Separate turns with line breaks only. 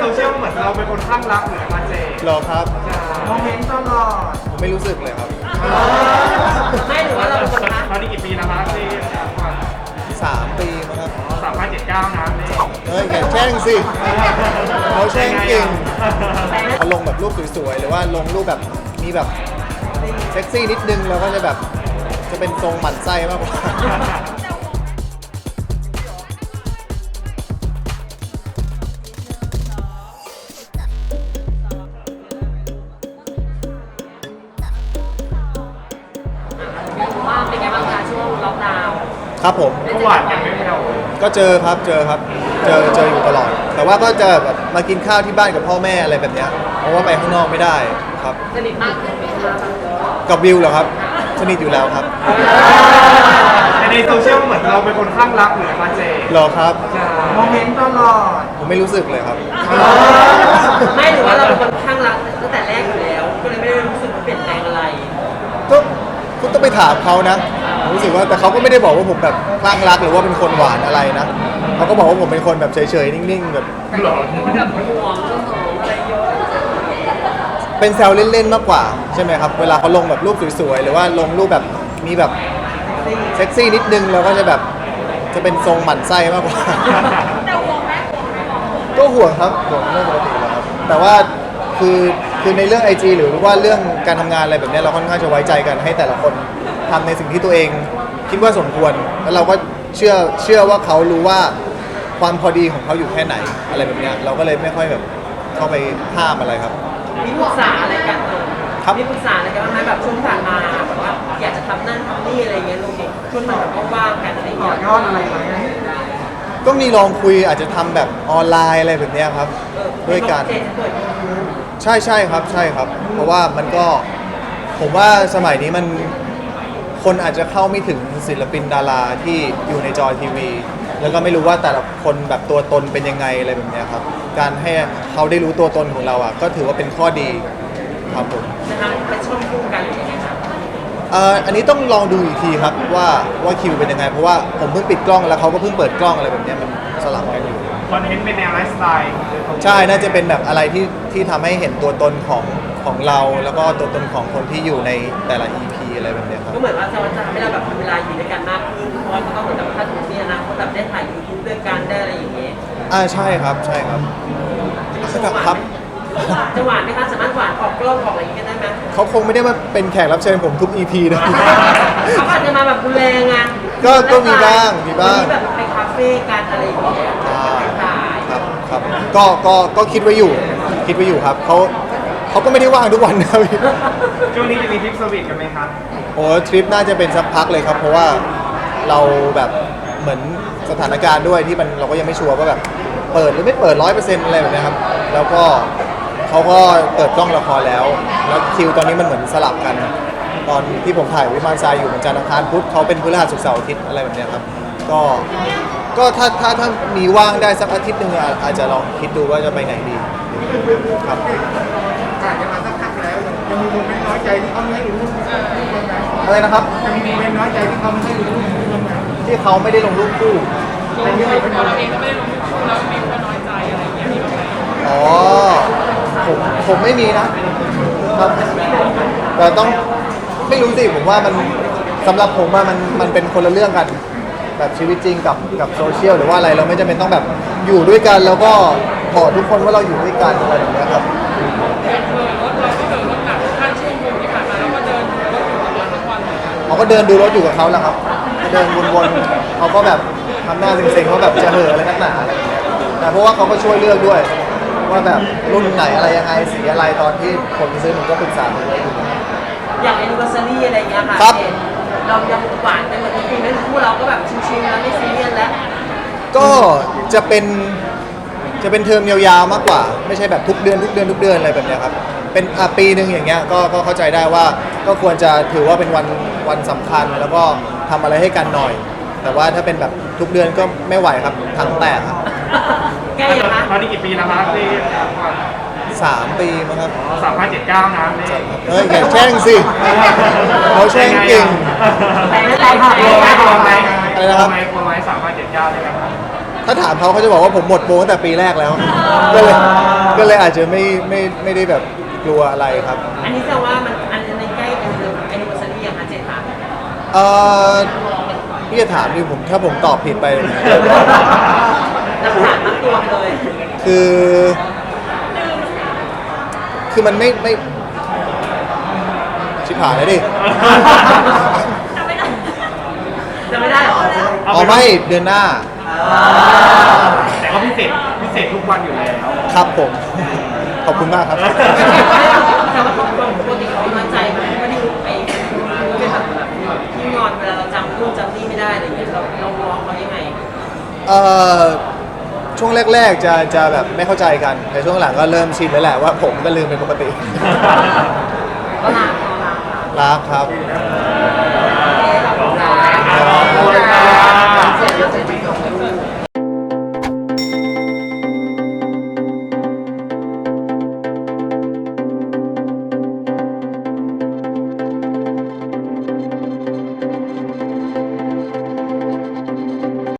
โซเชียลเหมือนเราเป็นคนข้างรักเหมือนกันเจ
หรอครับ
โมเมนต์ตลอด
ผมไม่รู้สึกเลยครับ
ไม่หรือว่าเราเป็นคนรัก
ตอนนี้กี่ปีแล้วครับเจ
3 ปีมั้งครับ
3579นะเจ
อย่าแช่งสิเขาแช่งเก่งเขาลงแบบรูปสวยๆหรือว่าลงรูปแบบมีแบบเซ็กซี่นิดนึงเราก็จะแบบจะเป็นทรงหมั่นไส้มากกว่า
ว่าเป็นไงบ้างคะช่วงล็อกดาวน์
ครับผม
ก็หวานกันไม่เท่า
ก็เจอครับเจออยู่ตลอดแต่ว่าก็จะแบบมากินข้าวที่บ้านกับพ่อแม่อะไรแบบเนี้ยเพราะว่าไปข้างนอกไม่ได้ครับ
สนิทมากขึ้นไหมคะ
กับวิวเหรอครับสนิทอยู่แล้วครับ
ในโซเชียลเหมือนเราเป็นคนข้างรักเหมือนกันเจ
หรอครับ
โมเมนต์ตลอด
ผมไม่รู้สึกเลยครับ
ไม่หรือว่าเราเป็นคนข้างรักตั้งแต่แรกอยู่แล้วก็เลยไม่ได้รู้สึกว่าเปลี่ยนแปลงอะไร
ก็คุณต้องไปถามเขานะผมรู้สึกว่าแต่เขาก็ไม่ได้บอกว่าผมแบบคลั่งรักหรือว่าเป็นคนหวานอะไรนะเขาก็บอกว่าผมเป็นคนแบบเฉยๆนิ่งๆแบบ
หรอ
แบบห่วงเรื่องของอะไรเยอะ
เป็นแซวเล่นๆมากกว่าใช่ไหมครับเวลาเขาลงแบบรูปสวยๆหรือว่าลงรูปแบบมีแบบเซ็กซี่นิดนึงเราก็จะแบบจะเป็นทรงหมั่นไส้มากกว่าก็ห่วงครับห่วงเรื่องปกติแล้วครับแต่ว่าคือในเรื่อง IG หรือว่าเรื่องการทำงานอะไรแบบนี้เราค่อนข้างจะไว้ใจกันให้แต่ละคนทำในสิ่งที่ตัวเองคิดว่าสมควรแล้วเราก็เชื่อว่าเขารู้ว่าความพอดีของเขาอยู่แค่ไหนอะไรแบบนี้เราก็เลยไม่ค่อยแบบเข้าไปห้ามอะไรครับ
มีปรึกษาอะไรกันมีปรึกษาอะไรกันบ้างไหมแบบช่วงผ่านมาแบบว่าอยากจะทำนั่นทำนี่อะไรเงี้ยลงช่วงมันแบบว่างกันอะไรเงี้ย
ยอดอะไรไหม
ก็มีลองคุยอาจจะทำแบบออนไลน์อะไรแบบนี้ครับด้วยกันใช่ครับใช่ครับเพราะว่ามันก็ผมว่าสมัยนี้มันคนอาจจะเข้าไม่ถึงศิลปินดาราที่อยู่ในจอทีวีแล้วก็ไม่รู้ว่าแต่ละคนแบบตัวตนเป็นยังไงอะไรแบบนี้ครับการให้เขาได้รู้ตัวตนของเราอ่ะก็ถือว่าเป็นข้อดีครับผม
นะคะเป็นช่วงคู่กันหรือยังไงครับ
อันนี้ต้องลองดูอีกทีครับว่าคิวเป็นยังไงเพราะว่าผมเพิ่งปิดกล้องแล้วเขาก็เพิ่งเปิดกล้องอะไรแบบนี้มันสลับกันอยู่
คอนเทนต์เป็นแนวไลฟ์สไตล์
ใช่น่าจะเป็นแบบอะไรที่ทำให้เห็นตัวตนของเราแล้วก็ตัวตนของคนที่อยู่ในแต่ละ EP อะไรแบบนี้ครับ
ก็เหมือนว่าจะทำให้เราแบบมีเวลาอยู่ด้วยกันมากขึ้นเพราะว่าก็เหมือนกับถ้าถึงเนี่ยนะเขาแบบได้ถ่าย YouTube ด้วยกันได้อะไรอย่างเงี้ย
ใช่ครับครับ
จะหวานไหมคะสามารถหวานออกกล้องออกอะไรอย่างเงี้ยได้ไหม
เขาคงไม่ได้มาเป็นแขกรับเชิญผมทุก EP นะ
เขาอาจจะมาแบบดูแลไง
ก็มีบ้าง
แบบไปคาเฟ่กันอะไรอย่างเงี้ย
ครับก็คิดไว้อยู่ครับเขาก็ไม่ได้ว่างทุกวันนะ
ช่วงนี้จะมีทริปสวีทกันไหมครับ
โอ้ทริปน่าจะเป็นสักพักเลยครับเพราะว่าเราแบบเหมือนสถานการณ์ด้วยที่มันเราก็ยังไม่ชัวร์ว่าแบบเปิดหรือไม่เปิด 100% อะไรแบบนี้ครับแล้วก็เขาก็เปิดกล้องละครแล้วคิวตอนนี้มันเหมือนสลับกันตอนที่ผมถ่ายวิมานทรายอยู่เหมือนจันทร์อังคารพุธเขาเป็นพฤหัสศุกร์เสาร์อาทิตย์อะไรแบบนี้ครับก็ถ้ามีว่างได้สักอาทิตย์นึงอาจจะลองคิดดูว่าจะไปไหนดีครับ
อาจจะมาสักพักแล้วจะมีโมเมนต์น้อยใจที่เขาไม่ให้รู้
อะไรนะครับ
จะมีโมเมนต์น้อยใจที่เขาไม่ให้รู้
ที่เขาไม่ได้ลงรูปคู่
เราเองก็ไม่ได้ลงรูปคู่แล้วมีคนน้อยใจอะไรอย่างเงี้ยมีบ้างไหม
อ๋อผมไม่มีนะครับแต่ต้องไม่รู้สิผมว่ามันสำหรับผมว่ามันเป็นคนละเรื่องกันแบบชีวิตจริงกับโซเชียลหรือว่าอะไรเราไม่จำเป็นต้องแบบอยู่ด้วยกันแล้วก็บอกทุกคนว่าเราอยู่ด้วยกันอะไรแบบนี้ครับเขาก็เดินดูรถอยู่กับเขาแหละครับเดินวนๆเขาก็แบบทำหน้าเซ็งๆว่าแบบจะเห่ออะไรนักหนาอะไรอย่างเงี้ยแต่เพราะว่าเขาก็ช่วยเลือกด้วยว่าแบบรุ่นไหนอะไรยังไงสีอะไรตอนที่คนซื้อผมก็ปรึกษาผมเลย
อย่างแอนนิเวอร์ซารีอะไรอย่างเงี้ยค่ะเรายังหวานกันเหมือนทุกปีนั่นคู่เราก็แบบชิลๆแล้วไม่ซีเรียสแล้ว
ก็จะเป็นเทอมยาวๆมากกว่าไม่ใช่แบบทุกเดือนอะไรแบบนี้ครับเป็นปีนึงอย่างเงี้ยก็เข้าใจได้ว่าก็ควรจะถือว่าเป็นวันสำคัญแล้วก็ทำอะไรให้กันหน่อยแต่ว่าถ้าเป็นแบบทุกเดือนก็ไม่ไหวครับทั้งแตกครับ
ใกล้ยังคะ
ตอนนี้กี่ปีแล้วครับที่
3 ปีมั้งครับ
3579นะ
อย่าแช่งสิเขาแช่งเก่ง
แต่ไม่
ได้
ค่ะ
อะไรนะครับ
กลัวไหม3579เลยครับ
ถ้าถามเขาจะบอกว่าผมหมดโปรตั้งแต่ปีแรกแล้วก็เลยก็เลยอาจจะไม่ได้แบบกลัวอะไรครับ
อันนี้แสดงว่ามันอันในใกล้กันเลยแอนนิเวอร์ซารีอย่างคะเจนค่ะ
เออพี่จะถามดิผมถ้าผมตอบผิดไป
หลักฐานมัดตัวไปเลย
คือ คือมันไม่ชิบหายเลยดิ
จะไม่ได้เหรอ
อ๋อไม่เดือนหน้า
แต่ก็พิเศษทุกวันอยู่แล้ว
ครับผม ขอบคุณมากครับ
แต่ว่าเขาปกติเขาน้อยใจมันไม่ได้ไปเป็นแบบที่งอนเวลาเราจำนู่นจำนี่ไม่ได้อะไรอย่างเงี้ยเรามองเขายังไง
เอ่อช่วงแรกๆจะแบบไม่เข้าใจกัน แต่ช่วงหลังก็เริ่มชินแล้วแหละว่าผมก็ลืมเป็นปกติ
ก็รัก
รักครับ
ขอบคุณค่ะ